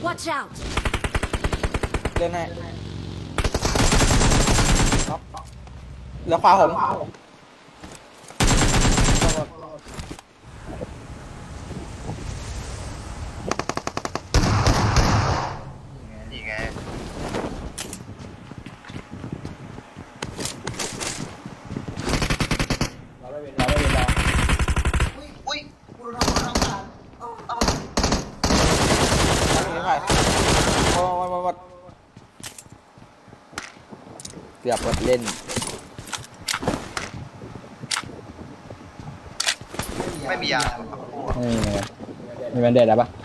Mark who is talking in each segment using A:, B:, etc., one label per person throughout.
A: Watch out!
B: เล่นให้น็อกเหลือขวาผม
C: นี่ไงอุ้ยกูโดนทำการเอา
B: นี่ไปวัดเกือบวัดเล่น
C: ไม่มียา
D: ไม่มีเลยมีแบนเดดแล้วปะ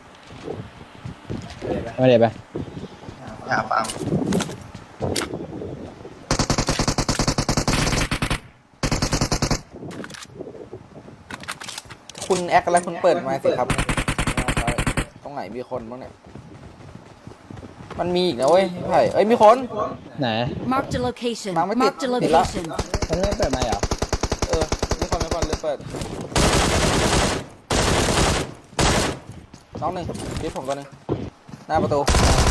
D: แบนเดดไป
C: ยาฟัง
B: คุณแอคอะไรคุณเปิดมาสิครับตรงไหนมีคนบ้างเนี่ยมันมีอีกนะเว้ยพี่ไผ่เอ้ยมีคน
D: ไหน
A: Marked a location.
B: Mama,
A: Marked a
B: did-
A: location.
D: มันไม่เปิดไมค์เหรอ
B: มีคนเลยเปิดน้องหนึ่งคิดผมตัวหนึ่งหน้าประตู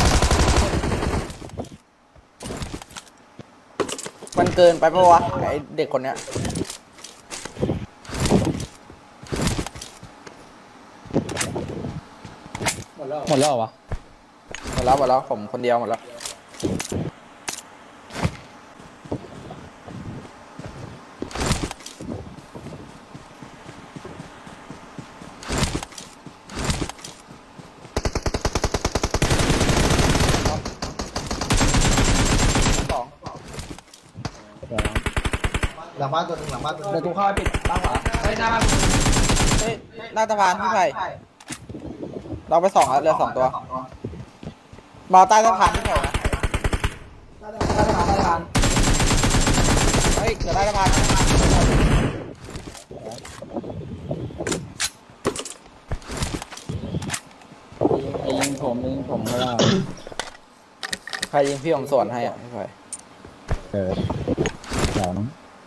B: มันเกินไปปะวะไอเด็กคนเนี้ย
D: หมดแล้วเหรอวะ
B: หมดแล้วผมคนเดียวหมดแล้วสอง
C: หลังบ้านตัวหนึ่งหลังบ้านตัวห
D: เดี๋
C: นึ่
D: ยว
C: ง
D: กูเข้าไปปิดบ้านขวา
B: เฮ้ยหน้าสะพานพี่ไผ่เราไปสองแล้วเหลือสองตัวมาใต้สะพานพี่ไผ่นะใต้สะพานเฮ้ยเหลือใต้สะพาน
D: ไอ้ยิงผมก็ได้
B: ใครยิงพี่ผมสวนให้อ่ะพี่ไผ่
D: สอง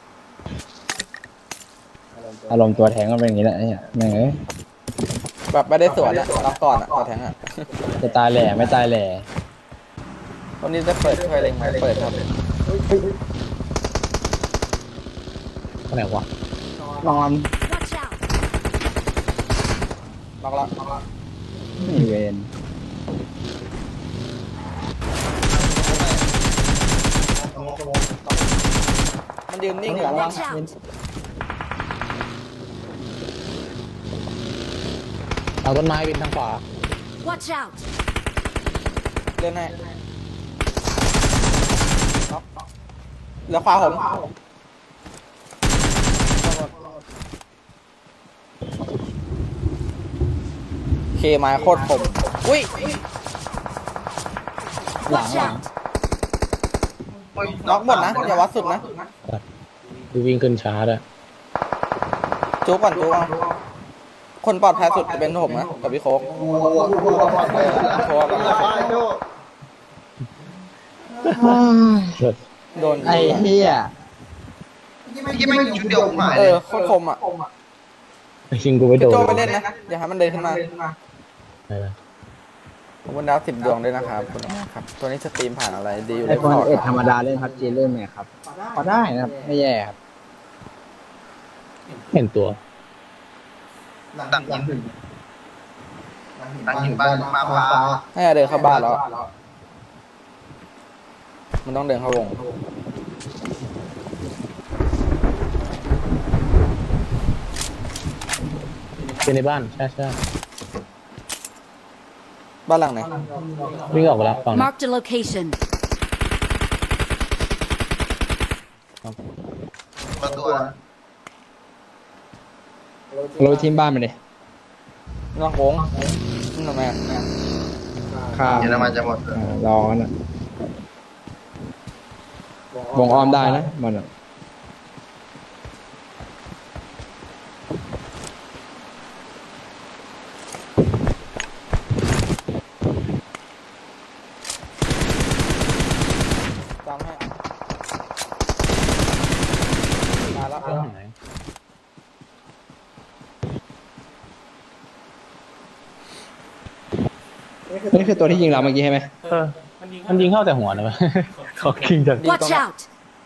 D: อารมณ์ตัวแทงมันเป็นอย่างนี้แหละเนี่ยแม่งเอ้ย
B: แบบไม่ได้สวนอ่ะรับก่อนอ่ะต่อแทงอ่ะ
D: จะตายแหล่ไม่ตายแหล่
B: วันนี้จะเปิดไฟเล็งไหมเปิดครับ
D: อะไรวะนอน
A: Watch out!
B: ล็อกละ
D: มีเวน
B: มันยืนนิ่งอยู่ระวัง
A: Watch out!
D: เอาต้นไม้บินทางขวา
A: Watch out!
B: เล่นให้ล็อกเหลือขวาผมเคไม้โคตรผมอุ้ย
A: Watch out!
B: ล็อกหมดนะอย่าวัดสุดนะ
D: ดูวิ่งขึ้นช้าด้วย
B: จูก่อนจูเอาคนปลอดภัยสุดจะเป็นผมนะกับพี่โค้กโค้กกับโดน
D: ไอ้เหี้ย
C: ยี่ไม่ชุดเดียวหาย
B: เอ
C: เลย
B: อโคตรคมอ่ะ
D: ชิงกูไปโด
B: พี่
D: น
B: โจไปเล่นนะอย่าให้มันเดินขึ้นมา
D: ไปเลย
B: ขอบคุณดาว10 ดวงด้วยนะครับคุณครับ ตัวนี้สตรีมผ่านอะไรดีอยู่
D: ไอ
B: ใน
D: โฟน
B: พอร์ต
D: เอ็ด
B: ค
D: ธร
B: รับ
D: รมดาเล่นพับจีเล่นไหมครับพอได้นะครับไม่แย่ครับเห็นตัว
C: ดังยิงดังยิงบ้านมาฟ้า
B: ให้เดินเข้าบ้านแล้ว มันต้องเดินเข้าวง
D: เป็นในบ้านใช่
B: บ้านหลังไหน
D: วิ่งออกไปแล้วฝั่ง
A: Marked a location.
C: ประตู
D: เราทีมบ้านไปเลย
B: นอกโค้งนี่ทำไมอะ
D: ข้าม
C: เยอรมันจะหมด
D: รอกันอ่ะวงอ้อมได้นะมันอ่ะ
B: ตามให้มาแล้ว
D: นี่คือตัวที่ยิงเราเมื่อกี้ใช่ไหมมันยิงเข้าแต่หัวนะ เขาคิงจาก
A: Watch out!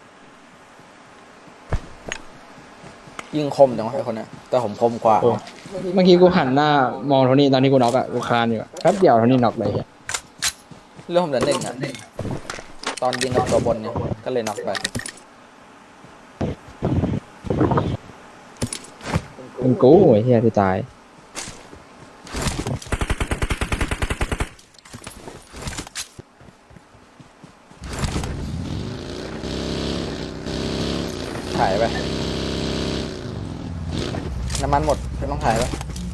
B: ยิงคมจังวะไอ้คนเนี้ยแต่ผมคมกว่า
D: เมื่อกี้กูหันหน้ามองโทนี่ตอนที่กูน็อกอะกูคลานอยู่อะแป๊บเดียวโทนี่น็อกเลยอะ
B: เรื่องผมเหลือหนึ่งอ่ะตอนยิงกับตัวบนเนี่ยก็เลยน็อกไป
D: เป็นกูไอ้เหี้ยที่ตาย
B: ถ่ายไปน้ำมันหมดไม่ต้องถ่ายแล้ว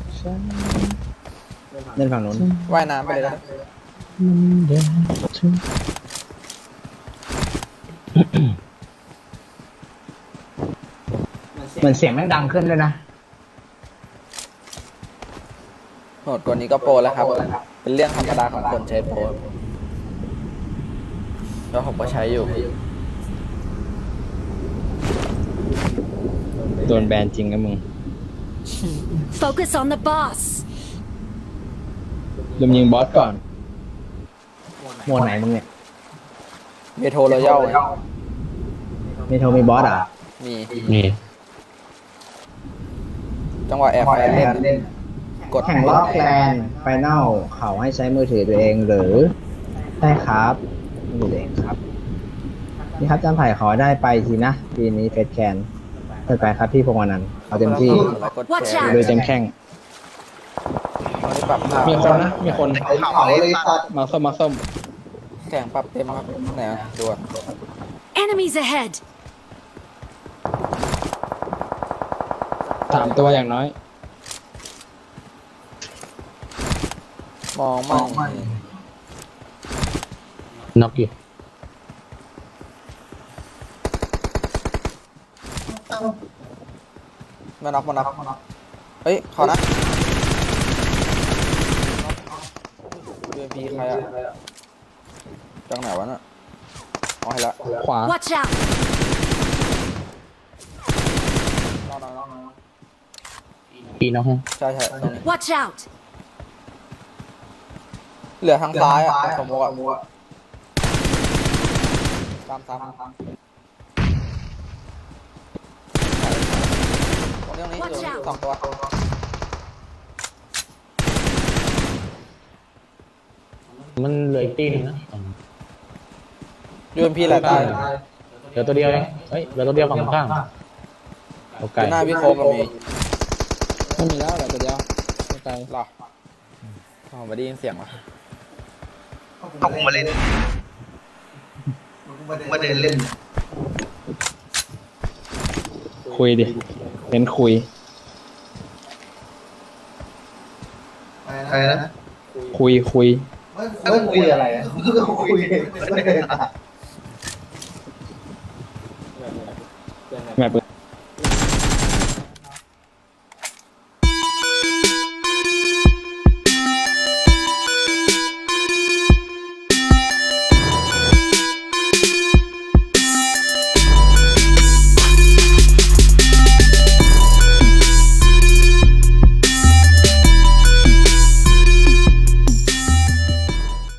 D: เล่นฝั่งนู้น
B: ว่ายน้ำไปเลยนะ
D: เหมือนเสียงแม่งดังขึ้นเลยนะ
B: โหดกว่านี้ก็โปรแล้วครับ เป็นเรื่องธรรมดาของคนใช้โปรแล้วผมก็ใช้อยู่
D: โดนแบนจริงนะมึง
A: Focus on the boss!
D: ลืมยิงบอสก่อนโหมดไหนมึงเนี่ย
B: เมโทรรอยัลไง
D: มีโทรมีบอสอ่ะ
B: มี
D: มี
B: จังหวะแอบแฟนเล่น กด
D: แข่งรอบแกลนไฟแนลเขาให้ใช้มือถือตัวเองหรือได้ครับมือถือตัวเองครับนี่ครับจำไผ่ขอได้ไปทีนะปีนี้เฟสแคนไปครับพี่พงษ์อนันต์เอาเต็มที่
B: กด
A: Watch
B: แชร์
A: out
D: โดยเต็มแข้ง
B: ตอนนี้ปรับภาพ
D: มีคนนะมีคน
C: เขาเลยสัตว์
D: มาส้มมาส้ม
B: แข่งปรับเต็มครับไหนอะดูอะ
A: Enemies ahead!
D: 3 ตัวอย่างน้อย
B: มองมั่ง
D: น็อกอยู่
B: มาน็อกเฮ้ยขอนะ UMP ใครอะจังไหนวะน่ะเอาให้ละ
D: ขวา
A: Watch out!
D: ปีน็อก
B: ใช่ตรงนี้
A: Watch out!
B: เหลือทางซ้ายอ่ะสมมติอ่ะตามตรงนี้อยู่2 ตัว
D: มันเหลืออีกตีหนึงนะ
B: UMP แหละตาย
D: เหลือตัวเดียวเองเฮ้ยเหลือตัวเดียวฝั่งข้างโอเค
B: หน้าพี่โคมมี
D: ไม่มีแล้วเหลือตัวเดียวโอเค
B: หรออ๋อไม่ได้ยินเสียงวะ
C: เอากูมาเล่นมาเดินเล่น
D: คุยดิเน้นคุย
C: อะไรนะ
D: คุย
C: คุยอะไรอ่ะคุย